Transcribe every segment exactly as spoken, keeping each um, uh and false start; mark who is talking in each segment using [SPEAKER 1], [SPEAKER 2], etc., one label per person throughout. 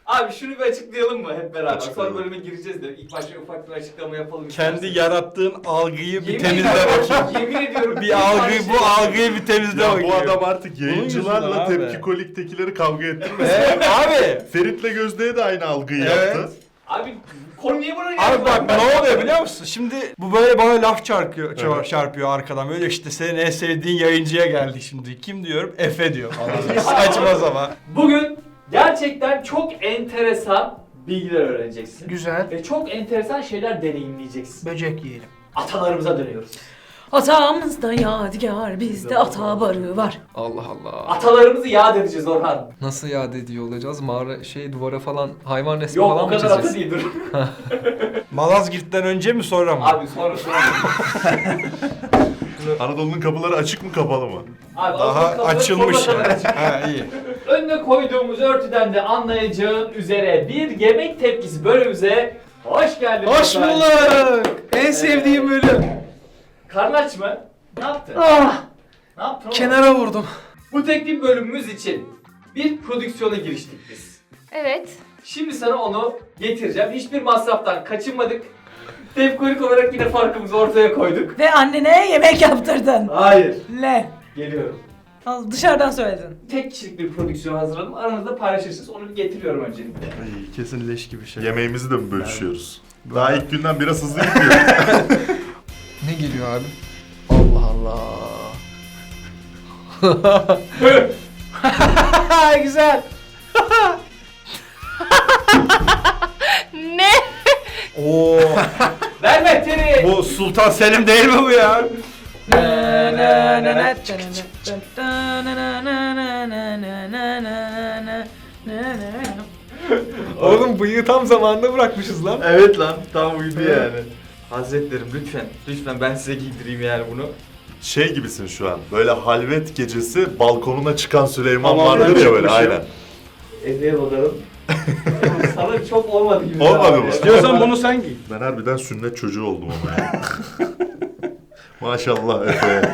[SPEAKER 1] Abi şunu bir açıklayalım mı hep beraber?
[SPEAKER 2] Açıklayalım.
[SPEAKER 1] Sonra bölüme gireceğiz de ilk başta ufak bir açıklama yapalım.
[SPEAKER 3] Kendi
[SPEAKER 1] istersen.
[SPEAKER 3] yarattığın algıyı bir
[SPEAKER 1] Yemin
[SPEAKER 3] temizle
[SPEAKER 1] ediyorum,
[SPEAKER 3] bakayım.
[SPEAKER 1] Yemin ediyorum.
[SPEAKER 3] Bir algıyı, bu algıyı bir temizle
[SPEAKER 2] Ya
[SPEAKER 3] bakayım.
[SPEAKER 2] bu adam artık
[SPEAKER 3] Bunun
[SPEAKER 2] yayıncılarla
[SPEAKER 3] yüzünden abi.
[SPEAKER 2] Tepki Kolik'tekileri kavga ettirmesin.
[SPEAKER 3] Evet, abi.
[SPEAKER 2] Ferit'le Gözde'ye de aynı algıyı
[SPEAKER 3] Evet.
[SPEAKER 2] yaptı.
[SPEAKER 1] Abi konu niye buna
[SPEAKER 3] Abi bak ne oluyor biliyor musun? Şimdi bu böyle bana laf çarpıyor,
[SPEAKER 2] Evet.
[SPEAKER 3] çarpıyor arkadan. Böyle işte senin en sevdiğin yayıncıya geldi şimdi. Kim diyorum? Efe diyor falan. Saçma zaman.
[SPEAKER 1] Bugün gerçekten çok enteresan bilgiler öğreneceksin.
[SPEAKER 4] Güzel.
[SPEAKER 1] Ve çok enteresan şeyler deneyimleyeceksin.
[SPEAKER 4] Böcek yiyelim.
[SPEAKER 1] Atalarımıza dönüyoruz.
[SPEAKER 5] Atamızda yadigar, bizde ata barı var.
[SPEAKER 6] Allah Allah.
[SPEAKER 1] Atalarımızı yad edeceğiz Orhan.
[SPEAKER 6] Nasıl yad ediyor olacağız? Mağara şey duvara falan hayvan resmi
[SPEAKER 1] Yok
[SPEAKER 6] falan
[SPEAKER 1] o
[SPEAKER 6] mı
[SPEAKER 1] kadar ata
[SPEAKER 6] çizeceğiz?
[SPEAKER 1] değil dur.
[SPEAKER 3] Malazgirt'ten önce mi sonra mı?
[SPEAKER 1] Abi sonra sonra.
[SPEAKER 2] Anadolu'nun kapıları açık mı kapalı mı?
[SPEAKER 1] Abi
[SPEAKER 3] Daha
[SPEAKER 1] Anadolu kapıları
[SPEAKER 3] açılmış
[SPEAKER 1] sonuna kadar
[SPEAKER 3] yani.
[SPEAKER 1] açık.
[SPEAKER 3] Ha iyi.
[SPEAKER 1] Önüne koyduğumuz örtüden de anlayacağın üzere bir yemek tepkisi bölümümüze hoş geldin.
[SPEAKER 4] Hoş
[SPEAKER 1] Orhan.
[SPEAKER 4] bulduk. En sevdiğim bölüm.
[SPEAKER 1] Karnın aç mı? Ne yaptın?
[SPEAKER 4] Ah,
[SPEAKER 1] Ne yaptın oğlum?
[SPEAKER 4] kenara vurdum.
[SPEAKER 1] Bu teknik bölümümüz için bir prodüksiyona giriştik biz.
[SPEAKER 7] Evet.
[SPEAKER 1] Şimdi sana onu getireceğim. Hiçbir masraftan kaçınmadık. Tepkolik olarak yine farkımızı ortaya koyduk.
[SPEAKER 5] Ve annene yemek yaptırdın.
[SPEAKER 1] Hayır.
[SPEAKER 5] Le.
[SPEAKER 1] Geliyorum.
[SPEAKER 5] Al, dışarıdan söyledin.
[SPEAKER 1] Tek kişilik bir prodüksiyon hazırladım. Aranızda paylaşırsınız. Onu bir getiriyorum öncelikle.
[SPEAKER 3] Ay, kesin leş gibi şey.
[SPEAKER 2] Yemeğimizi de mi bölüşüyoruz? Daha ilk günden biraz hızlı gidiyor.
[SPEAKER 6] Ne geliyor abi? Allah Allah.
[SPEAKER 4] Güzel.
[SPEAKER 7] Ne?
[SPEAKER 3] Oo.
[SPEAKER 1] Ver mehteri.
[SPEAKER 3] Bu Sultan Selim değil mi bu ya?
[SPEAKER 6] Oğlum bıyığı tam zamanında bırakmışız lan.
[SPEAKER 1] Evet lan. Tam uydu yani. Hazretlerim lütfen. Lütfen ben size giydireyim yani bunu.
[SPEAKER 2] Şey gibisin şu an. Böyle halvet gecesi balkonuna çıkan Süleyman
[SPEAKER 3] Hamamdan
[SPEAKER 2] vardır ya böyle
[SPEAKER 3] çıkmışım.
[SPEAKER 2] aynen.
[SPEAKER 1] Edeğe bakalım. Sana çok olmadı gibi.
[SPEAKER 2] Olmadı
[SPEAKER 1] abi.
[SPEAKER 2] mı?
[SPEAKER 3] İstiyorsan bunu sen giy.
[SPEAKER 2] Ben harbiden sünnet çocuğu oldum ama ya. Maşallah Efe.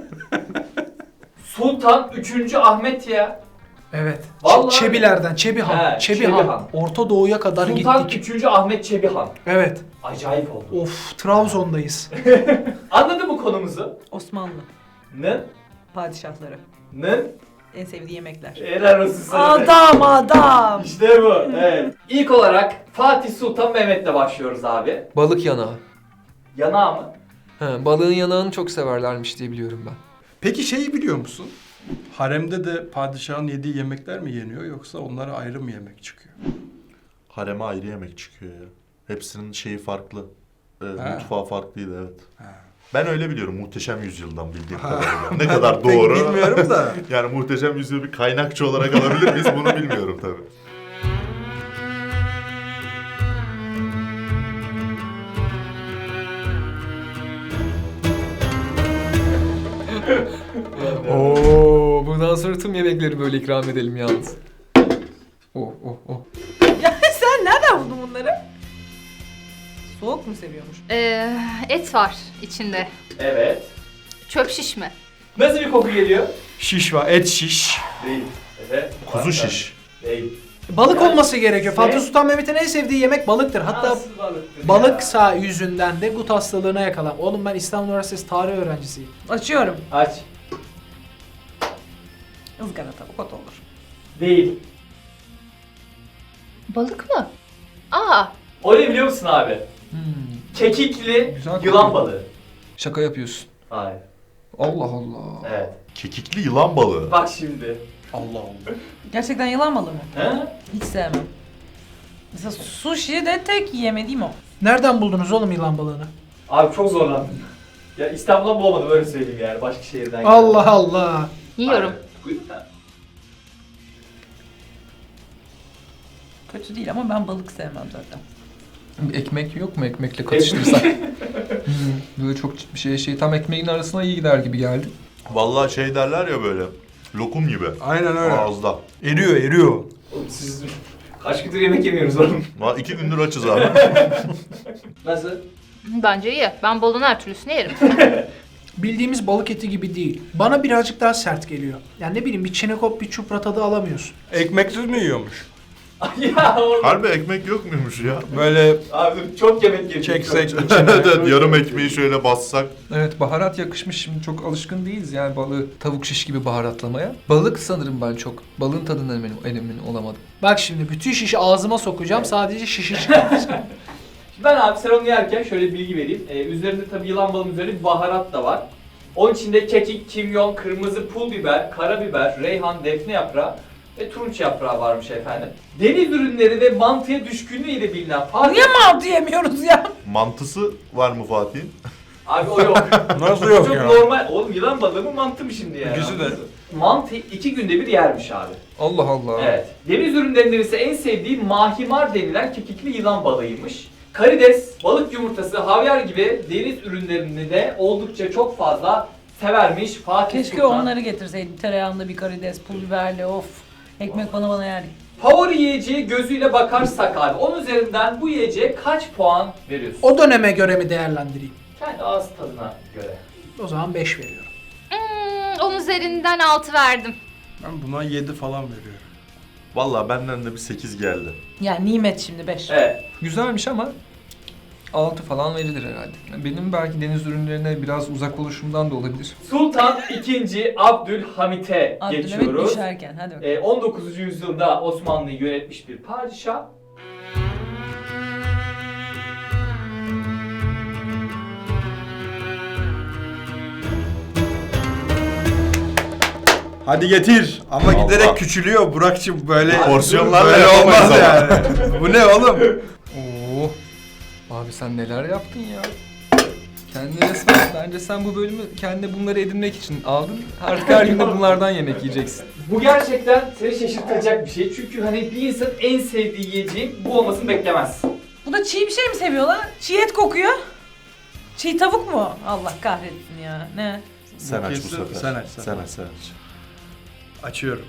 [SPEAKER 1] Sultan üçüncü. Ahmet ya.
[SPEAKER 4] Evet.
[SPEAKER 1] Vallahi-
[SPEAKER 4] Çebilerden, Çebihan.
[SPEAKER 1] He,
[SPEAKER 4] Çebihan.
[SPEAKER 1] Çebihan.
[SPEAKER 4] Orta Doğu'ya kadar
[SPEAKER 1] Sultan
[SPEAKER 4] gittik.
[SPEAKER 1] üçüncü. Ahmet Çebihan.
[SPEAKER 4] Evet.
[SPEAKER 1] Acayip oldu.
[SPEAKER 4] Of, Trabzon'dayız.
[SPEAKER 1] Anladın mı konumuzu?
[SPEAKER 5] Osmanlı
[SPEAKER 1] Ne?
[SPEAKER 5] padişahları.
[SPEAKER 1] Ne?
[SPEAKER 5] En sevdiği yemekler.
[SPEAKER 1] Helal olsun sana.
[SPEAKER 5] Adam adam.
[SPEAKER 1] İşte bu. Evet. İlk olarak Fatih Sultan Mehmet'le başlıyoruz abi.
[SPEAKER 6] Balık yanağı.
[SPEAKER 1] Yanağı mı?
[SPEAKER 6] He, balığın yanağını çok severlermiş diye biliyorum ben.
[SPEAKER 3] Peki şeyi biliyor musun? Haremde de padişahın yediği yemekler mi yeniyor yoksa onlara ayrı mı yemek çıkıyor?
[SPEAKER 2] Hareme ayrı yemek çıkıyor ya. Hepsinin şeyi farklı. Ee,
[SPEAKER 3] Ha.
[SPEAKER 2] mutfağı farklıydı evet.
[SPEAKER 3] Ha.
[SPEAKER 2] Ben öyle biliyorum Muhteşem Yüzyıl'dan bildiğim kadarıyla. Ne kadar
[SPEAKER 3] Pek
[SPEAKER 2] doğru.
[SPEAKER 3] bilmiyorum da.
[SPEAKER 2] Yani Muhteşem Yüzyıl'ı bir kaynakçı olarak alabilir miyiz bunu bilmiyorum tabii.
[SPEAKER 6] Oo, bundan sonra tüm yemekleri böyle ikram edelim yalnız. Oh oh oh.
[SPEAKER 5] Ya sen nereden buldun bunları? Soğuk mu seviyormuş?
[SPEAKER 7] Ee, et var içinde.
[SPEAKER 1] Evet.
[SPEAKER 7] Çöp şiş mi?
[SPEAKER 1] Nasıl bir koku geliyor?
[SPEAKER 3] Şiş var, et şiş.
[SPEAKER 1] Değil. Evet.
[SPEAKER 2] Kuzu şiş.
[SPEAKER 1] Değil.
[SPEAKER 4] Balık olması gerekiyor.
[SPEAKER 1] Ne?
[SPEAKER 4] Fatih Sultan Mehmet'in en sevdiği yemek balıktır. Hatta
[SPEAKER 1] Nasıl balıktır
[SPEAKER 4] balıksa yüzünden de gut hastalığına yakalan. Oğlum ben İstanbul Üniversitesi tarih öğrencisiyim.
[SPEAKER 5] Açıyorum.
[SPEAKER 1] ya? Aç.
[SPEAKER 5] Izgara tavuk ot olur.
[SPEAKER 1] Değil.
[SPEAKER 7] Balık mı? Aa,
[SPEAKER 1] O ne biliyor musun abi?
[SPEAKER 4] Hmm.
[SPEAKER 1] Kekikli
[SPEAKER 6] Güzel
[SPEAKER 1] yılan
[SPEAKER 6] kokuyor.
[SPEAKER 1] balığı.
[SPEAKER 6] Şaka yapıyorsun.
[SPEAKER 1] Hayır.
[SPEAKER 6] Allah Allah.
[SPEAKER 1] Evet.
[SPEAKER 2] Kekikli yılan balığı.
[SPEAKER 1] Bak şimdi.
[SPEAKER 3] Allah Allah.
[SPEAKER 5] Gerçekten yılan balığı mı?
[SPEAKER 1] He?
[SPEAKER 5] Hiç sevmem. Mesela sushi de tek yemediğim o.
[SPEAKER 4] Nereden buldunuz oğlum yılan balığını?
[SPEAKER 1] Abi çok zorlandım. Ya İstanbul'dan bulamadım öyle söyleyeyim yani. Başka şehirden geldim.
[SPEAKER 4] Allah Allah.
[SPEAKER 7] yiyorum.
[SPEAKER 1] Aynen.
[SPEAKER 5] Kötü değil ama ben balık sevmem zaten.
[SPEAKER 6] Bir ekmek yok mu ekmekle katıştırsak? Hmm, böyle çok bir şey şey tam ekmeğin arasına iyi gider gibi geldi.
[SPEAKER 2] Vallahi şey derler ya böyle. Lokum gibi.
[SPEAKER 3] Aynen öyle.
[SPEAKER 2] Ağızda.
[SPEAKER 3] Eriyor, eriyor.
[SPEAKER 1] Oğlum siz kaç gündür yemek yemiyoruz oğlum.
[SPEAKER 2] Ha, iki gündür açız abi.
[SPEAKER 1] Nasıl?
[SPEAKER 7] Bence iyi. Ben balığın her türlüsünü yerim.
[SPEAKER 4] Bildiğimiz balık eti gibi değil. Bana birazcık daha sert geliyor. Yani ne bileyim bir çinekop bir çupra tadı alamıyorsun.
[SPEAKER 3] Ekmeksiz mi yiyormuş?
[SPEAKER 1] Ya oğlum.
[SPEAKER 2] Harbi ekmek yok muymuş ya?
[SPEAKER 3] Böyle
[SPEAKER 1] Abi dur, çok yemek yedik.
[SPEAKER 3] çeksek
[SPEAKER 1] Çok-
[SPEAKER 3] içine.
[SPEAKER 2] Evet evet yarım ekmeği şöyle bassak.
[SPEAKER 6] Evet, baharat yakışmış. Şimdi çok alışkın değiliz yani balığı tavuk şiş gibi baharatlamaya. Balık sanırım ben çok. Balığın tadından emin, emin olamadım.
[SPEAKER 4] Bak şimdi bütün şişi ağzıma sokacağım. Sadece şişi çıkartacağım.
[SPEAKER 1] Ben abi sen onu yerken şöyle bir bilgi vereyim. Ee, üzerinde tabii yılan balığının üzerinde bir baharat da var. Onun içinde kekik, kimyon, kırmızı pul biber, karabiber, reyhan, defne yaprağı ve turunç yaprağı varmış efendim. Deniz ürünleri ve mantıya düşkünlüğü ile bilinen Fatih...
[SPEAKER 5] Niye mantı yemiyoruz ya?
[SPEAKER 2] Mantısı var mı Fatih'in?
[SPEAKER 1] Abi o yok.
[SPEAKER 3] Nasıl yok
[SPEAKER 1] Çok
[SPEAKER 3] ya?
[SPEAKER 1] normal. Oğlum yılan balığı mı mantı mı şimdi yani?
[SPEAKER 3] İkisi de.
[SPEAKER 1] Mantı iki günde bir yermiş abi.
[SPEAKER 6] Allah Allah.
[SPEAKER 1] Evet. Deniz ürünlerinden ise en sevdiği mahimar denilen kekikli yılan balığıymış. Karides, balık yumurtası, havyar gibi deniz ürünlerini de oldukça çok fazla severmiş Fatih
[SPEAKER 5] Keşke
[SPEAKER 1] Sultan.
[SPEAKER 5] onları getirseydim. Tereyağında bir karides, pul biberli of. Ekmek bana bana yerdik.
[SPEAKER 1] Favori yiyeceği gözüyle bakarsak abi, onun üzerinden bu yiyeceğe kaç puan veriyorsun?
[SPEAKER 4] O döneme göre mi değerlendireyim?
[SPEAKER 1] Kendi ağız tadına göre.
[SPEAKER 4] O zaman beş veriyorum.
[SPEAKER 7] Hmm, onun üzerinden altı verdim.
[SPEAKER 3] Ben buna yedi falan veriyorum.
[SPEAKER 2] Vallahi benden de bir sekiz geldi.
[SPEAKER 5] Yani nimet şimdi beş.
[SPEAKER 1] Evet.
[SPEAKER 6] Güzelmiş ama altı falan verilir herhalde. Benim belki deniz ürünlerine biraz uzak oluşumdan da olabilir.
[SPEAKER 1] Sultan ikinci. Abdülhamit'e
[SPEAKER 5] Abdülhamit
[SPEAKER 1] geçiyoruz.
[SPEAKER 5] düşerken hadi bakalım.
[SPEAKER 1] Ee, on dokuzuncu yüzyılda Osmanlı'yı yönetmiş bir padişah.
[SPEAKER 3] Hadi getir. Ama
[SPEAKER 2] Allah.
[SPEAKER 3] giderek küçülüyor Burak'cığım böyle.
[SPEAKER 2] Porsiyonlarla
[SPEAKER 3] böyle
[SPEAKER 2] yapamayız
[SPEAKER 3] olmaz
[SPEAKER 2] ama.
[SPEAKER 3] yani. Bu ne oğlum?
[SPEAKER 6] Oo. Abi sen neler yaptın ya? Kendine resmen, bence sen bu bölümü kendine bunları edinmek için aldın. Artık her gün de bunlardan yemek yiyeceksin.
[SPEAKER 1] Bu gerçekten seni şaşırtacak bir şey. Çünkü hani bir insan en sevdiği yiyeceğin bu olmasını beklemez.
[SPEAKER 5] Bu da çiğ bir şey mi seviyorlar? Çiğ et kokuyor. Çiğ tavuk mu? Allah kahretsin ya. Ne?
[SPEAKER 2] Sen aç bu
[SPEAKER 3] kesin-
[SPEAKER 2] sefer.
[SPEAKER 3] sen aç, sen
[SPEAKER 2] Sen
[SPEAKER 3] aç.
[SPEAKER 2] aç sen aç.
[SPEAKER 3] Açıyorum.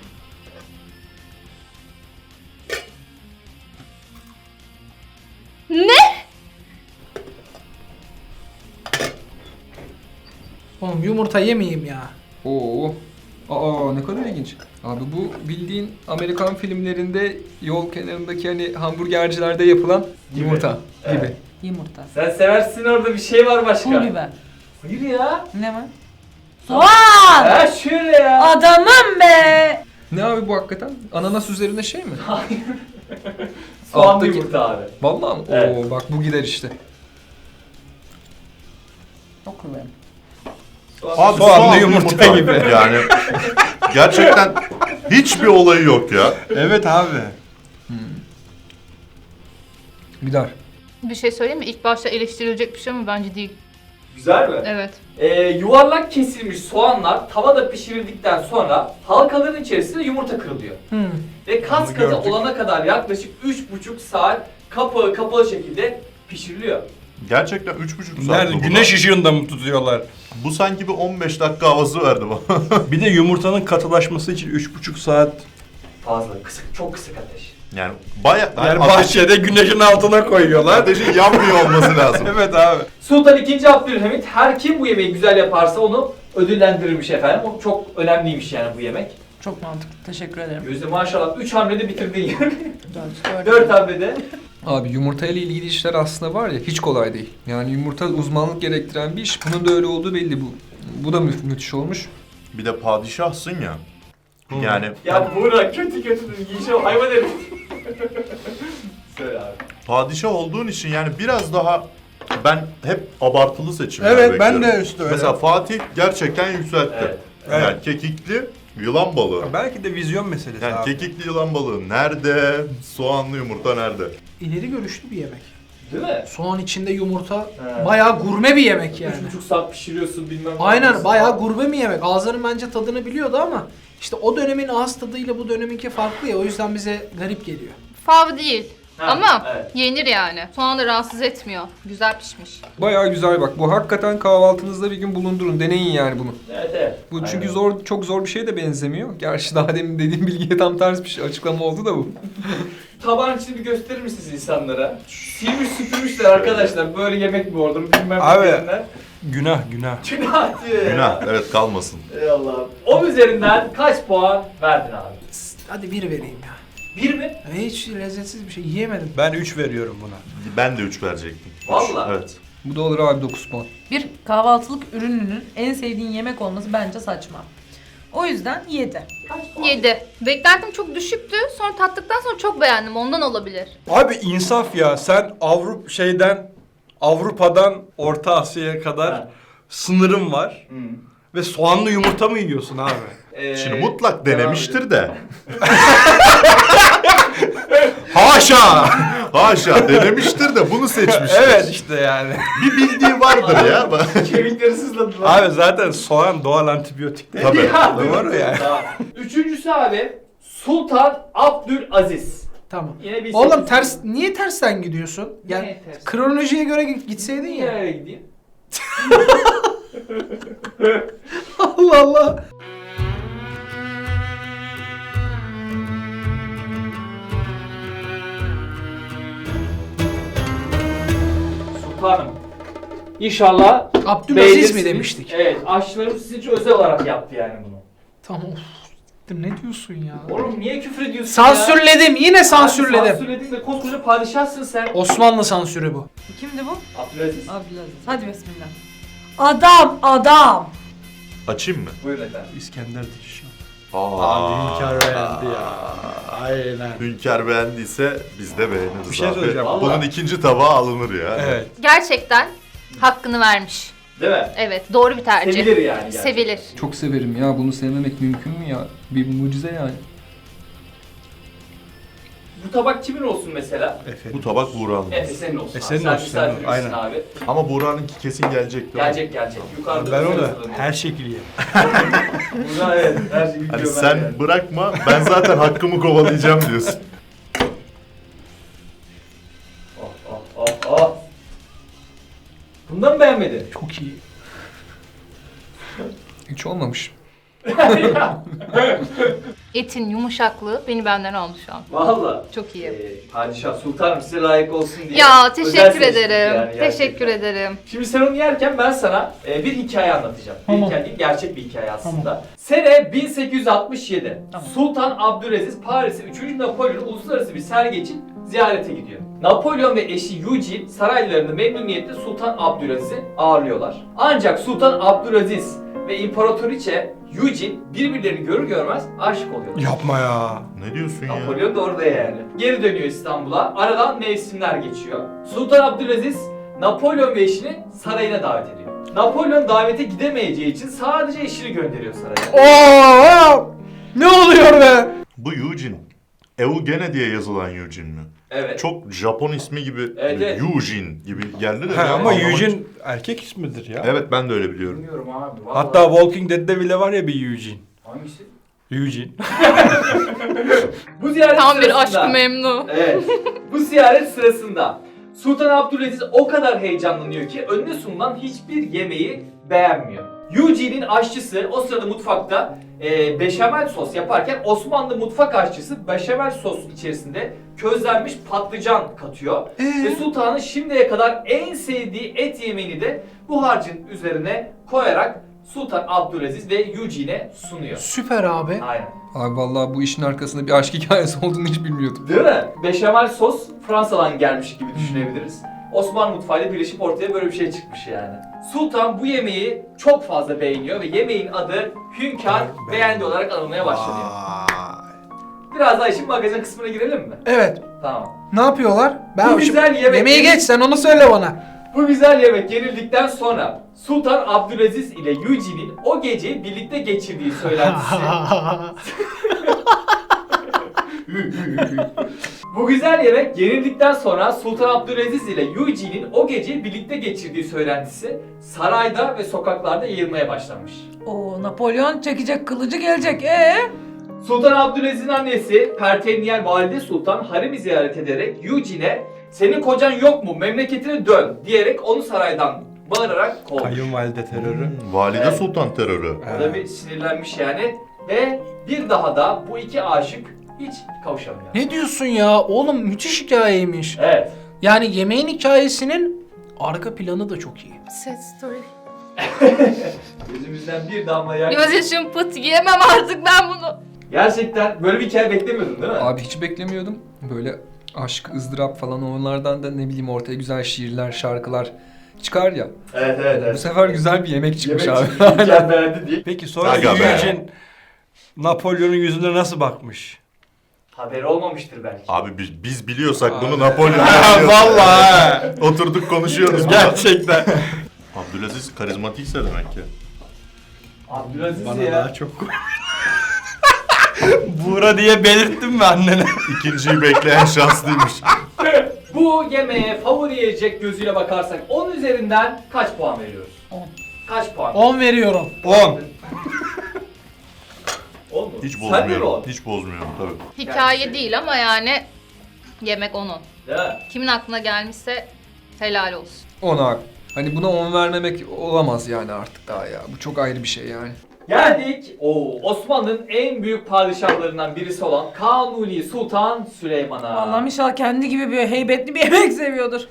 [SPEAKER 4] Oğlum yumurta yemeyeyim ya.
[SPEAKER 6] Oo. Aa, ne kadar ilginç. Abi bu bildiğin Amerikan filmlerinde yol kenarındaki hani hamburgercilerde yapılan
[SPEAKER 1] Gibi.
[SPEAKER 6] yumurta gibi.
[SPEAKER 1] Evet.
[SPEAKER 5] Yumurta.
[SPEAKER 1] Sen seversin, orada bir şey var başka.
[SPEAKER 5] Pul biber.
[SPEAKER 1] Hayır ya.
[SPEAKER 5] Ne var? Soğan!
[SPEAKER 1] Ha şöyle ya.
[SPEAKER 5] Adamım be!
[SPEAKER 6] Ne abi bu hakikaten? Ananas üzerine şey mi?
[SPEAKER 1] Soğanlı
[SPEAKER 6] Alttaki-
[SPEAKER 1] yumurta abi.
[SPEAKER 6] Vallahi mi?
[SPEAKER 1] Evet.
[SPEAKER 6] Oo bak bu gider işte.
[SPEAKER 5] Çok kıvırım.
[SPEAKER 2] Abi
[SPEAKER 3] Soğanlı
[SPEAKER 2] soğanlı
[SPEAKER 3] yumurta gibi.
[SPEAKER 2] Yani gerçekten hiçbir olayı yok ya.
[SPEAKER 3] Evet abi.
[SPEAKER 6] Gider.
[SPEAKER 7] Bir şey söyleyeyim mi? İlk başta eleştirilecek bir şey ama bence değil.
[SPEAKER 1] Güzel mi?
[SPEAKER 7] Evet.
[SPEAKER 1] Ee, yuvarlak kesilmiş soğanlar tavada pişirildikten sonra halkaların içerisinde yumurta kırılıyor.
[SPEAKER 5] Hmm.
[SPEAKER 1] Ve kas
[SPEAKER 3] Onu
[SPEAKER 1] katı
[SPEAKER 3] gördük.
[SPEAKER 1] olana kadar yaklaşık üç buçuk saat kapağı kapalı şekilde pişiriliyor.
[SPEAKER 2] Gerçekten üç buçuk saat.
[SPEAKER 3] Nerede?
[SPEAKER 2] bu
[SPEAKER 3] Güneş
[SPEAKER 2] buna.
[SPEAKER 3] ışığında mı tutuyorlar?
[SPEAKER 2] Bu sanki bir on beş dakika havası verdi bana.
[SPEAKER 3] Bir de yumurtanın katılaşması için üç buçuk saat.
[SPEAKER 1] Fazla, kısık, çok kısık ateş.
[SPEAKER 2] Yani baya...
[SPEAKER 3] Yani bahçede güneşin altına koyuyorlar.
[SPEAKER 2] Ateşin yanmıyor olması lazım.
[SPEAKER 3] Evet abi.
[SPEAKER 1] Sultan ikinci. Abdülhamit her kim bu yemeği güzel yaparsa onu ödüllendirirmiş efendim. O çok önemliymiş yani bu yemek.
[SPEAKER 5] Çok mantıklı. Teşekkür ederim.
[SPEAKER 1] Gözde maşallah üç hamlede bitirdin yani.
[SPEAKER 5] Dört. Dört.
[SPEAKER 1] dört hamlede.
[SPEAKER 6] Abi yumurta ile ilgili işler aslında var ya hiç kolay değil. Yani yumurta uzmanlık gerektiren bir iş. Bunun da öyle olduğu belli bu. Bu da mü- müthiş olmuş.
[SPEAKER 2] Bir de padişahsın ya. Yani
[SPEAKER 1] Ya Buğra kötü kötü yiyeceğim hayvan herif. Söyle abi.
[SPEAKER 2] padişah olduğun için yani biraz daha ben hep abartılı seçimler
[SPEAKER 3] Evet ben
[SPEAKER 2] bekliyorum.
[SPEAKER 3] de üstü öyle.
[SPEAKER 2] Mesela Fatih gerçekten yükseltti.
[SPEAKER 1] Evet.
[SPEAKER 2] Yani
[SPEAKER 3] Evet.
[SPEAKER 2] kekikli yılan balığı.
[SPEAKER 3] Belki de vizyon meselesi
[SPEAKER 2] Yani
[SPEAKER 3] abi.
[SPEAKER 2] kekikli yılan balığı nerede? Soğanlı yumurta nerede?
[SPEAKER 4] İleri görüşlü bir yemek.
[SPEAKER 1] Değil mi?
[SPEAKER 4] Soğan içinde yumurta
[SPEAKER 1] He.
[SPEAKER 4] bayağı gurme bir yemek yani.
[SPEAKER 1] Üç buçuk saat pişiriyorsun bilmem ne.
[SPEAKER 4] Aynen
[SPEAKER 1] yapıyorsun.
[SPEAKER 4] bayağı gurme bir yemek. Ağızların bence tadını biliyordu ama işte o dönemin ağız tadıyla bu döneminki farklı ya o yüzden bize garip geliyor.
[SPEAKER 7] Fav değil.
[SPEAKER 1] Ha,
[SPEAKER 7] Ama
[SPEAKER 1] evet.
[SPEAKER 7] yenir yani. Soğan da rahatsız etmiyor. Güzel pişmiş.
[SPEAKER 6] Bayağı güzel bak. Bu hakikaten kahvaltınızda bir gün bulundurun. Deneyin yani bunu.
[SPEAKER 1] Evet evet.
[SPEAKER 6] Bu
[SPEAKER 1] Aynen.
[SPEAKER 6] çünkü zor, çok zor bir şeye de benzemiyor. Gerçi daha demin dediğim bilgiye tam ters bir şey, açıklama oldu da bu.
[SPEAKER 1] Tabağın içini bir gösterir misiniz insanlara? Silmiş süpürmüşler arkadaşlar. Böyle yemek mi olur bilmem
[SPEAKER 3] Abi.
[SPEAKER 1] ne diyenler.
[SPEAKER 3] Günah günah.
[SPEAKER 1] Günah diyor ya.
[SPEAKER 2] Günah evet kalmasın.
[SPEAKER 1] Ey Allah'ım. on üzerinden kaç puan verdin abi?
[SPEAKER 4] Hadi bir vereyim ya.
[SPEAKER 1] Bir mi?
[SPEAKER 4] Hiç lezzetsiz bir şey yiyemedim.
[SPEAKER 3] Ben üç veriyorum buna.
[SPEAKER 2] Ben de üç verecektim.
[SPEAKER 1] Vallahi.
[SPEAKER 2] Evet.
[SPEAKER 6] Bu da olur abi dokuz puan.
[SPEAKER 5] Bir kahvaltılık ürününün en sevdiğin yemek olması bence saçma. O yüzden yedi.
[SPEAKER 7] yedi. Beklentim çok düşüktü. Sonra tattıktan sonra çok beğendim. Ondan olabilir.
[SPEAKER 3] Abi insaf ya, sen Avrupa şeyden Avrupa'dan Orta Asya'ya kadar
[SPEAKER 1] Ha.
[SPEAKER 3] sınırın var
[SPEAKER 1] Hı.
[SPEAKER 3] ve soğanlı yumurta mı yiyorsun abi?
[SPEAKER 1] Ee,
[SPEAKER 2] Şimdi mutlak
[SPEAKER 1] devam
[SPEAKER 2] denemiştir de.
[SPEAKER 3] Haşa!
[SPEAKER 2] Haşa denemiştir de bunu seçmiştir.
[SPEAKER 3] Evet işte yani.
[SPEAKER 2] Bir bildiği vardır ya.
[SPEAKER 1] edelim. Kemikleri sızladılar.
[SPEAKER 3] Abi zaten soğan doğal antibiyotik değil.
[SPEAKER 2] Tabii.
[SPEAKER 1] Ya,
[SPEAKER 3] Doğru yani.
[SPEAKER 1] Tamam. Üçüncüsü abi Sultan Abdülaziz.
[SPEAKER 4] Tamam.
[SPEAKER 1] Yine bir
[SPEAKER 4] Oğlum
[SPEAKER 1] sekiz.
[SPEAKER 4] ters niye tersten gidiyorsun? Yani
[SPEAKER 1] Niye ters?
[SPEAKER 4] kronolojiye göre git- gitseydin
[SPEAKER 1] Niye
[SPEAKER 4] ya.
[SPEAKER 1] nereye gideyim?
[SPEAKER 4] Allah Allah.
[SPEAKER 1] Sultanım. İnşallah
[SPEAKER 4] Abdülaziz
[SPEAKER 1] beğenirsiniz.
[SPEAKER 4] mi demiştik?
[SPEAKER 1] Evet. Aşçılarımız sizin için özel olarak yaptı yani bunu.
[SPEAKER 4] Tamam. Of, ne diyorsun ya?
[SPEAKER 1] Oğlum niye küfür ediyorsun ya?
[SPEAKER 4] Sansürledim. Yine sansürledim.
[SPEAKER 1] Sansürledin de koskoca padişahsın sen.
[SPEAKER 4] Osmanlı sansürü bu.
[SPEAKER 5] Kimdi bu?
[SPEAKER 1] Abdülaziz.
[SPEAKER 5] Abdülaziz. Hadi bismillah. Adam, adam.
[SPEAKER 2] Açayım mı?
[SPEAKER 1] Buyurun efendim.
[SPEAKER 3] İskender Dilşah.
[SPEAKER 2] Aa.
[SPEAKER 3] Abi Hünkar beğendi ya. Aynen.
[SPEAKER 2] Hünkar beğendiyse biz de beğeniriz
[SPEAKER 3] Bir şey
[SPEAKER 2] abi.
[SPEAKER 3] söyleyeceğim.
[SPEAKER 1] Vallahi.
[SPEAKER 2] Bunun ikinci tabağı alınır ya.
[SPEAKER 3] Evet.
[SPEAKER 7] Gerçekten hakkını vermiş.
[SPEAKER 1] Değil mi?
[SPEAKER 7] Evet, doğru bir tercih.
[SPEAKER 1] Sevilir yani. gerçekten.
[SPEAKER 7] Sevilir.
[SPEAKER 6] Çok severim ya. Bunu sevmemek mümkün mü ya? Bir mucize yani.
[SPEAKER 1] Bu tabak kimin olsun mesela?
[SPEAKER 3] Efendim.
[SPEAKER 2] Bu tabak Buğra'nın.
[SPEAKER 1] Efe senin olsun.
[SPEAKER 3] E,
[SPEAKER 1] abi.
[SPEAKER 3] senin
[SPEAKER 1] Sen
[SPEAKER 3] olsun, senin olsun.
[SPEAKER 1] misafirimizsin
[SPEAKER 3] Aynen.
[SPEAKER 1] abi.
[SPEAKER 2] Ama Buğra'nınki kesin gelecek. değil mi?
[SPEAKER 1] Gelecek gelecek. Yukarıda
[SPEAKER 3] Ben
[SPEAKER 1] bir
[SPEAKER 3] onu
[SPEAKER 1] sırası
[SPEAKER 3] her şekilde yerim.
[SPEAKER 1] Burada evet. Her şey
[SPEAKER 2] Hani
[SPEAKER 1] gidiyor
[SPEAKER 2] sen
[SPEAKER 1] yani.
[SPEAKER 2] bırakma, ben zaten hakkımı kovalayacağım diyorsun.
[SPEAKER 1] Oh oh oh oh. Bundan mı beğenmedin?
[SPEAKER 4] Çok iyi.
[SPEAKER 6] Hiç olmamış.
[SPEAKER 7] Etin yumuşaklığı beni benden aldı şu an.
[SPEAKER 1] Valla.
[SPEAKER 7] Çok iyi.
[SPEAKER 1] Ee, padişah sultanım size layık olsun diye.
[SPEAKER 7] Ya
[SPEAKER 1] özel
[SPEAKER 7] teşekkür
[SPEAKER 1] seçtik
[SPEAKER 7] ederim.
[SPEAKER 1] yani gerçekten.
[SPEAKER 7] teşekkür ederim.
[SPEAKER 1] Şimdi sen onu yerken ben sana e, bir hikaye anlatacağım. Bir
[SPEAKER 4] Tamam.
[SPEAKER 1] hikaye değil, gerçek bir hikaye aslında. Sene bin sekiz yüz altmış yedi. Sultan Abdülaziz Paris'e üçüncü Napolyon uluslararası bir sergi için ziyarete gidiyor. Napolyon ve eşi Eugene saraylarında memnuniyetle Sultan Abdülaziz'i ağırlıyorlar. Ancak Sultan Abdülaziz ve İmparatoriçe Eugene birbirlerini görür görmez aşık oluyorlar.
[SPEAKER 3] Yapma ya.
[SPEAKER 2] Ne diyorsun ya?
[SPEAKER 1] Napolyon da orada yani. Geri dönüyor İstanbul'a. Aradan mevsimler geçiyor. Sultan Abdülaziz Napolyon ve eşini sarayına davet ediyor. Napolyon davete gidemeyeceği için sadece eşini gönderiyor saraya.
[SPEAKER 4] Oo! Ne oluyor be?
[SPEAKER 2] Bu Eugene. Eugene diye yazılan Eugene mi?
[SPEAKER 1] Evet.
[SPEAKER 2] Çok Japon ismi gibi,
[SPEAKER 1] Evet, evet.
[SPEAKER 2] Eugene gibi geldi de.
[SPEAKER 3] Ha,
[SPEAKER 2] ben
[SPEAKER 3] ama
[SPEAKER 2] anlamadım.
[SPEAKER 3] Eugene erkek ismidir ya.
[SPEAKER 2] Evet ben de öyle biliyorum.
[SPEAKER 1] Bilmiyorum abi. vallahi.
[SPEAKER 3] Hatta Walking Dead'de bile var ya bir Eugene.
[SPEAKER 1] Hangisi?
[SPEAKER 3] Eugene.
[SPEAKER 1] Bu ziyaret
[SPEAKER 7] Tam bir
[SPEAKER 1] sırasında.
[SPEAKER 7] aşkı memnu.
[SPEAKER 1] Evet. Bu ziyaret sırasında Sultan Abdülaziz o kadar heyecanlanıyor ki önüne sunulan hiçbir yemeği beğenmiyor. Eugene'in aşçısı o sırada mutfakta e, beşamel sos yaparken Osmanlı mutfak aşçısı beşamel sos içerisinde közlenmiş patlıcan katıyor. Ve sultanın şimdiye kadar en sevdiği et yemeğini de bu harcın üzerine koyarak Sultan Abdülaziz ve Eugene'e sunuyor.
[SPEAKER 4] Süper abi.
[SPEAKER 1] Aynen.
[SPEAKER 6] Abi vallahi bu işin arkasında bir aşk hikayesi olduğunu hiç bilmiyordum.
[SPEAKER 1] Değil mi? Beşamel sos Fransa'dan gelmiş gibi düşünebiliriz. Osmanlı mutfağıyla birleşip ortaya böyle bir şey çıkmış yani. Sultan bu yemeği çok fazla beğeniyor ve yemeğin adı Hünkar
[SPEAKER 3] Ben-
[SPEAKER 1] beğendi olarak anılmaya başlanıyor.
[SPEAKER 3] Vay.
[SPEAKER 1] Biraz daha işin magazin kısmına girelim mi?
[SPEAKER 4] Evet.
[SPEAKER 1] Tamam.
[SPEAKER 4] Ne yapıyorlar? Ben
[SPEAKER 1] Bu güzel yemek-
[SPEAKER 4] Yemeği geç sen onu söyle bana.
[SPEAKER 1] Bu güzel yemek yenildikten sonra Sultan Abdülaziz ile Eugene'in o geceyi birlikte geçirdiği söylentisi. Bu güzel yemek yenildikten sonra Sultan Abdülaziz ile Eugene'in o geceyi birlikte geçirdiği söylentisi sarayda ve sokaklarda yayılmaya başlamış.
[SPEAKER 5] Oo, Napolyon çekecek kılıcı gelecek. Ee?
[SPEAKER 1] Sultan Abdülaziz'in annesi Pertevniyel Valide Sultan haremi ziyaret ederek Eugene'e "Senin kocan yok mu? Memleketine dön." diyerek onu saraydan bağırarak kovmuş.
[SPEAKER 3] Kayınvalide terörü.
[SPEAKER 2] Hmm, Valide
[SPEAKER 1] Evet.
[SPEAKER 2] Sultan terörü.
[SPEAKER 1] O da bir sinirlenmiş yani ve bir daha da bu iki aşık hiç kavuşamıyor.
[SPEAKER 4] Ne diyorsun ya? Oğlum müthiş hikayeymiş.
[SPEAKER 1] Evet.
[SPEAKER 4] Yani yemeğin hikayesinin arka planı da çok iyi.
[SPEAKER 7] Sad story.
[SPEAKER 1] Gözümüzden bir damla yaş.
[SPEAKER 7] Gözyaşım pıt yiyemem artık ben bunu.
[SPEAKER 1] Gerçekten böyle bir hikaye beklemiyordun değil mi?
[SPEAKER 6] Abi hiç beklemiyordum. Böyle aşk, ızdırap falan onlardan da ne bileyim ortaya güzel şiirler, şarkılar çıkar ya.
[SPEAKER 1] Evet evet
[SPEAKER 6] Bu sefer güzel bir yemek çıkmış
[SPEAKER 1] Yemek
[SPEAKER 6] abi.
[SPEAKER 1] çıktı, mükemmeldi diye.
[SPEAKER 3] Peki sonra
[SPEAKER 2] Aga be.
[SPEAKER 3] Eugene Napolyon'un yüzüne nasıl bakmış?
[SPEAKER 1] Haberi olmamıştır belki.
[SPEAKER 2] Abi biz, biz biliyorsak
[SPEAKER 3] Abi.
[SPEAKER 2] bunu Napolyon
[SPEAKER 3] Ha,
[SPEAKER 2] biliyorsa-
[SPEAKER 3] vallahi.
[SPEAKER 2] Oturduk konuşuyoruz.
[SPEAKER 3] Gerçekten.
[SPEAKER 2] Abdülaziz karizmatikse demek ki.
[SPEAKER 1] Abdülaziz
[SPEAKER 3] Bana
[SPEAKER 1] ya.
[SPEAKER 3] daha çok Buğra diye belirttin mi annene?
[SPEAKER 2] İkinciyi bekleyen şanslıymış.
[SPEAKER 1] Bu yemeğe favori yiyecek gözüyle bakarsak on üzerinden kaç puan veriyoruz?
[SPEAKER 5] On.
[SPEAKER 1] Kaç puan?
[SPEAKER 4] on veriyorum.
[SPEAKER 3] on.
[SPEAKER 1] on mu?
[SPEAKER 2] Hiç
[SPEAKER 1] Sen de mi
[SPEAKER 2] bozmuyorum.
[SPEAKER 1] on?
[SPEAKER 2] Hiç bozmuyorum tabii.
[SPEAKER 7] Hikaye değil ama yani yemek onun.
[SPEAKER 1] Değil mi?
[SPEAKER 7] Kimin aklına gelmişse helal olsun.
[SPEAKER 6] Ona hani buna on vermemek olamaz yani artık daha ya. Bu çok ayrı bir şey yani.
[SPEAKER 1] Geldik o Osmanlı'nın en büyük padişahlarından birisi olan Kanuni Sultan Süleyman'a.
[SPEAKER 5] Allah'ım inşallah kendi gibi bir heybetli bir yemek seviyordur.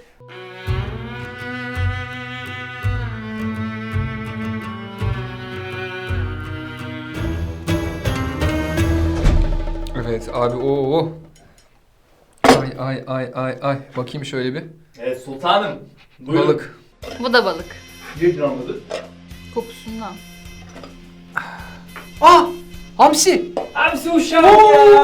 [SPEAKER 6] Evet abi o. Ay ay ay ay ay. Bakayım şöyle bir.
[SPEAKER 1] Evet sultanım. Buyurun.
[SPEAKER 6] Balık.
[SPEAKER 7] Bu da balık.
[SPEAKER 1] Bir gramıdır.
[SPEAKER 7] Kokusundan.
[SPEAKER 4] Ah! Hamsi!
[SPEAKER 1] Hamsi uşağım ya.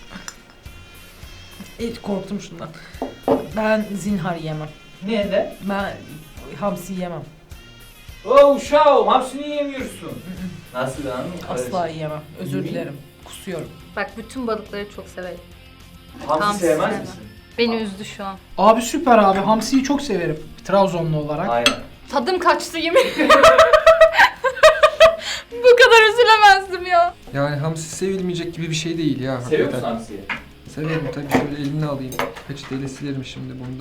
[SPEAKER 5] Hiç korktum şundan. Ben zinhar yemem.
[SPEAKER 1] Niye de?
[SPEAKER 5] Ben hamsi yemem.
[SPEAKER 1] O uşağım hamsini yemiyorsun. Nasıl lan?
[SPEAKER 5] Asla yiyemem. Özür
[SPEAKER 1] Niye?
[SPEAKER 5] dilerim. Kusuyorum.
[SPEAKER 7] Bak bütün balıkları çok severim.
[SPEAKER 1] Hamsi
[SPEAKER 7] Hamsi
[SPEAKER 1] sevmez
[SPEAKER 7] sevmem.
[SPEAKER 1] misin?
[SPEAKER 7] Beni üzdü şu an.
[SPEAKER 4] Abi süper abi. Hamsiyi çok severim. Trabzonlu olarak.
[SPEAKER 1] Aynen.
[SPEAKER 7] Tadım kaçtı yemin ederim. Bu kadar üzülemezdim ya.
[SPEAKER 6] Yani hamsi sevilmeyecek gibi bir şey değil ya.
[SPEAKER 1] Seviyor musun
[SPEAKER 6] hakikaten.
[SPEAKER 1] hamsiyi?
[SPEAKER 6] Severim tabii, şöyle eline alayım. Peçeteyle silerim şimdi bunu da.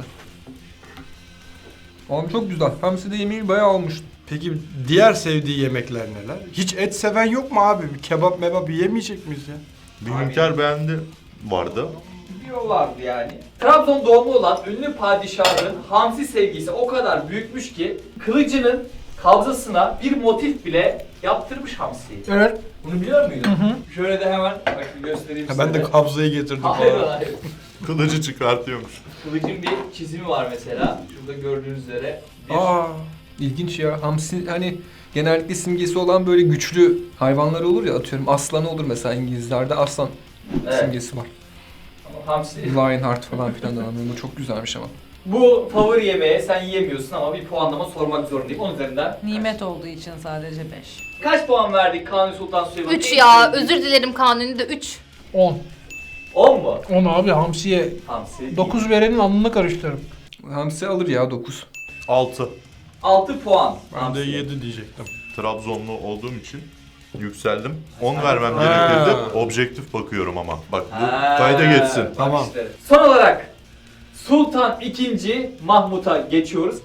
[SPEAKER 6] Oğlum çok güzel. Hamsi de yemeği bayağı olmuş.
[SPEAKER 3] Peki diğer sevdiği yemekler neler? Hiç et seven yok mu abi? Bir kebap mebap yemeyecek miyiz ya?
[SPEAKER 2] Bir hünkâr beğendi vardı.
[SPEAKER 1] Diyorlardı yani. Trabzon doğumlu olan ünlü padişahın hamsi sevgisi o kadar büyükmüş ki kılıcının kabzasına bir motif bile yaptırmış hamsiyi.
[SPEAKER 4] Evet.
[SPEAKER 1] Bunu biliyor muydun?
[SPEAKER 4] Hı hı.
[SPEAKER 1] Şöyle de hemen bak bir göstereyim
[SPEAKER 3] Ha,
[SPEAKER 1] size.
[SPEAKER 3] ben de kabzayı getirdim
[SPEAKER 1] Hayır
[SPEAKER 3] falan.
[SPEAKER 1] hayır.
[SPEAKER 2] Kılıcı çıkartıyormuş.
[SPEAKER 1] Kılıcın bir çizimi var mesela. Şurada gördüğünüz üzere. Bir...
[SPEAKER 6] Aa, ilginç ya. Hamsi hani genellikle simgesi olan böyle güçlü hayvanlar olur ya, atıyorum aslan olur mesela, İngilizlerde aslan
[SPEAKER 1] Evet.
[SPEAKER 6] simgesi var.
[SPEAKER 1] Ama hamsi.
[SPEAKER 6] Lionheart falan filan anlamında çok güzelmiş ama.
[SPEAKER 1] Bu favori yemeğe sen yiyemiyorsun ama bir puanlama sormak zorundayım. On üzerinden.
[SPEAKER 5] Nimet olduğu için sadece beş.
[SPEAKER 1] Kaç puan verdik Kanuni Sultan Süleyman'a?
[SPEAKER 7] üç ya. Özür dilerim Kanuni de üç.
[SPEAKER 4] on.
[SPEAKER 1] on mu?
[SPEAKER 4] on abi hamsiye
[SPEAKER 1] Hamsi.
[SPEAKER 4] dokuz verenin alnını karıştırırım.
[SPEAKER 6] Hamsi alır ya dokuz.
[SPEAKER 2] altı.
[SPEAKER 1] altı puan.
[SPEAKER 3] Ben de
[SPEAKER 1] hamsi.
[SPEAKER 3] yedi diyecektim.
[SPEAKER 2] Trabzonlu olduğum için yükseldim. on vermem
[SPEAKER 3] Ha.
[SPEAKER 2] gerekirdi. Objektif bakıyorum ama. Bak bu
[SPEAKER 1] Ha,
[SPEAKER 2] kayda geçsin.
[SPEAKER 1] bak
[SPEAKER 3] Tamam.
[SPEAKER 1] işte. Son olarak Sultan ikinci. Mahmut'a geçiyoruz.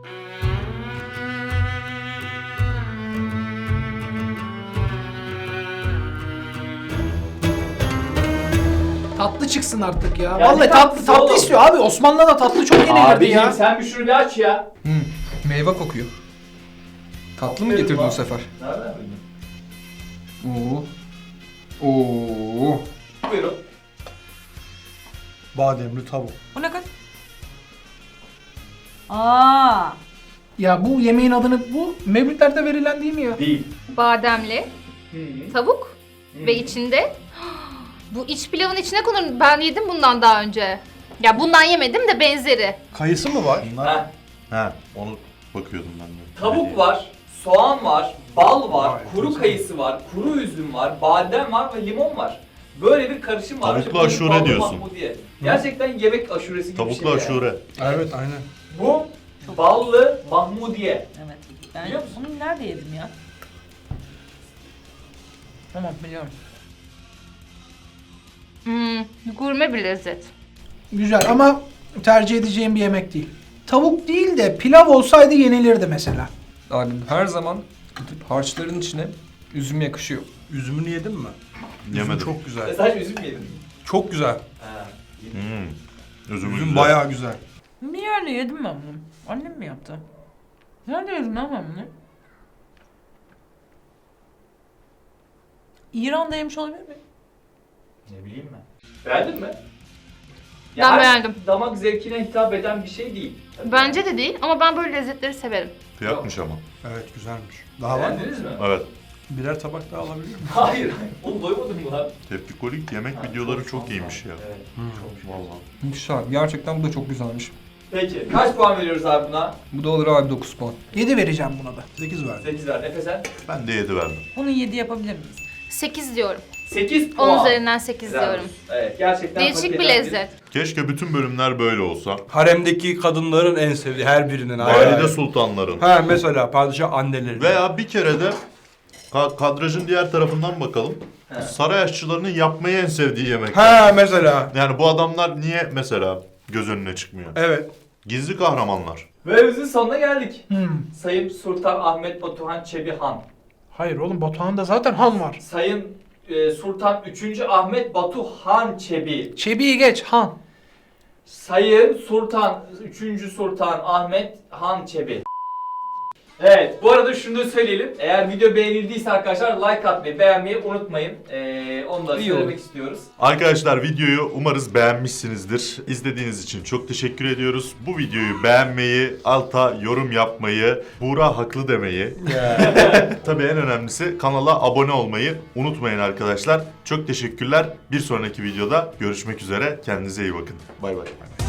[SPEAKER 4] Tatlı çıksın artık ya.
[SPEAKER 1] Yani
[SPEAKER 4] Vallahi tatlı
[SPEAKER 1] tatlısı
[SPEAKER 4] tatlı
[SPEAKER 1] oğlum.
[SPEAKER 4] istiyor abi. Osmanlı'da da tatlı çok yenilirdi
[SPEAKER 1] Abiciğim
[SPEAKER 4] ya.
[SPEAKER 1] sen bir şunu bir aç ya.
[SPEAKER 6] Hmm, meyve kokuyor. Tatlı mı
[SPEAKER 1] Aferin
[SPEAKER 6] getirdin
[SPEAKER 1] bak.
[SPEAKER 6] bu sefer?
[SPEAKER 1] Nereden bildin?
[SPEAKER 6] Oo. Oo.
[SPEAKER 1] Buyurun.
[SPEAKER 3] Bademli tavuk.
[SPEAKER 5] Bu ne kadar? Aa,
[SPEAKER 4] Ya bu yemeğin adını bu mevlütlerde verilen değil mi ya?
[SPEAKER 1] Değil.
[SPEAKER 7] Bademli,
[SPEAKER 1] Hı.
[SPEAKER 7] tavuk
[SPEAKER 1] Hı.
[SPEAKER 7] ve içinde bu iç pilavın içine konur. Ben yedim bundan daha önce. Ya bundan yemedim de benzeri.
[SPEAKER 3] Kayısı mı var?
[SPEAKER 2] Bunlar...
[SPEAKER 1] Heh.
[SPEAKER 2] He, onu bakıyordum ben de.
[SPEAKER 1] Tavuk var, soğan var, bal var,
[SPEAKER 3] Vay,
[SPEAKER 1] kuru
[SPEAKER 3] güzel.
[SPEAKER 1] kayısı var, kuru üzüm var, badem var ve limon var. Böyle bir karışım var.
[SPEAKER 2] Tavuklu
[SPEAKER 1] İşte bu
[SPEAKER 2] aşure
[SPEAKER 1] ballı
[SPEAKER 2] diyorsun.
[SPEAKER 1] mahmudiye. Gerçekten yemek aşuresi gibi bir
[SPEAKER 2] Tavuklu
[SPEAKER 1] şey. yani.
[SPEAKER 2] aşure.
[SPEAKER 3] Evet aynen.
[SPEAKER 1] Bu ballı mahmudiye.
[SPEAKER 5] evet. Ben
[SPEAKER 1] Biliyor musun?
[SPEAKER 5] bunu nerede yedim ya? Tamam biliyorum.
[SPEAKER 7] Hmm, gurme bir lezzet.
[SPEAKER 4] Güzel ama tercih edeceğim bir yemek değil. Tavuk değil de pilav olsaydı yenilirdi mesela.
[SPEAKER 6] Abi her zaman harçların içine üzüm yakışıyor.
[SPEAKER 3] Üzümünü yedin mi?
[SPEAKER 2] Yemedim.
[SPEAKER 3] Üzüm çok
[SPEAKER 1] E
[SPEAKER 3] güzel.
[SPEAKER 1] sadece üzüm mü yedin?
[SPEAKER 3] Çok güzel.
[SPEAKER 1] Ha.
[SPEAKER 2] Hmm. Üzüm,
[SPEAKER 3] Üzüm
[SPEAKER 2] güzel.
[SPEAKER 3] bayağı güzel.
[SPEAKER 5] Bir yerde yedim ben bunu. Annem mi yaptı? Nerede yedim lan ben bunu? İran'da yemiş olabilir miyim?
[SPEAKER 1] Ne bileyim ben. Beğendin mi?
[SPEAKER 7] Ben
[SPEAKER 1] her
[SPEAKER 7] beğendim.
[SPEAKER 1] Damak zevkine hitap eden bir şey değil. Tabii.
[SPEAKER 7] Bence de değil ama ben böyle lezzetleri severim.
[SPEAKER 2] Kıyakmış ama.
[SPEAKER 3] Evet güzelmiş. Daha var mı?
[SPEAKER 1] Beğendiniz mi?
[SPEAKER 2] Evet.
[SPEAKER 3] Birer tabak daha alabilir miyim?
[SPEAKER 1] Hayır, hayır. Oğlum doymadın mı lan?
[SPEAKER 2] Tepkikolik yemek videoları çok iyiymiş ya.
[SPEAKER 1] Evet. Çok
[SPEAKER 2] Vallahi.
[SPEAKER 6] Güzel. Gerçekten bu da çok güzelmiş.
[SPEAKER 1] Peki, kaç puan veriyoruz abi buna?
[SPEAKER 6] Bu da olur abi dokuz puan.
[SPEAKER 4] yedi vereceğim buna da.
[SPEAKER 3] sekiz verdim.
[SPEAKER 1] sekiz ver. Efe sen?
[SPEAKER 2] Ben de yedi verdim.
[SPEAKER 5] Bunu yedi yapabilir miyiz?
[SPEAKER 7] sekiz diyorum.
[SPEAKER 1] sekiz puan.
[SPEAKER 7] on üzerinden sekiz
[SPEAKER 1] Güzel.
[SPEAKER 7] diyorum.
[SPEAKER 1] Evet, gerçekten hak
[SPEAKER 7] Değişik bir
[SPEAKER 1] eden
[SPEAKER 7] lezzet.
[SPEAKER 2] Keşke bütün bölümler böyle olsa.
[SPEAKER 3] Haremdeki kadınların en sevdiği her birinin ayrı
[SPEAKER 2] Valide
[SPEAKER 3] ayrı.
[SPEAKER 2] sultanların.
[SPEAKER 3] Ha mesela padişah anneleri.
[SPEAKER 2] Veya bir kere de ka- kadrajın diğer tarafından bakalım.
[SPEAKER 1] He.
[SPEAKER 2] Saray aşçılarının yapmayı en sevdiği yemek.
[SPEAKER 3] Ha mesela.
[SPEAKER 2] Yani bu adamlar niye mesela göz önüne çıkmıyor?
[SPEAKER 3] Evet.
[SPEAKER 2] Gizli kahramanlar.
[SPEAKER 1] Bölümümüzün sonuna geldik.
[SPEAKER 4] Hmm.
[SPEAKER 1] Sayın Sultan Ahmet Batuhan Çebi Han.
[SPEAKER 4] Hayır oğlum Batuhan'da zaten Han var.
[SPEAKER 1] Sayın e, Sultan üçüncü Ahmet Batu Han Çebi.
[SPEAKER 4] Çebi'yi geç Han.
[SPEAKER 1] Sayın Sultan üçüncü Sultan Ahmet Han Çebi. Evet, bu arada şunu da söyleyelim. Eğer video beğenildiyse arkadaşlar like atmayı, beğenmeyi unutmayın. Ee, onu da
[SPEAKER 6] İyi
[SPEAKER 1] söylemek
[SPEAKER 6] olur.
[SPEAKER 1] istiyoruz.
[SPEAKER 2] Arkadaşlar videoyu umarız beğenmişsinizdir. İzlediğiniz için çok teşekkür ediyoruz. Bu videoyu beğenmeyi, alta yorum yapmayı, Buğra haklı demeyi. Tabii en önemlisi kanala abone olmayı unutmayın arkadaşlar. Çok teşekkürler. Bir sonraki videoda görüşmek üzere. Kendinize iyi bakın. Bay bay.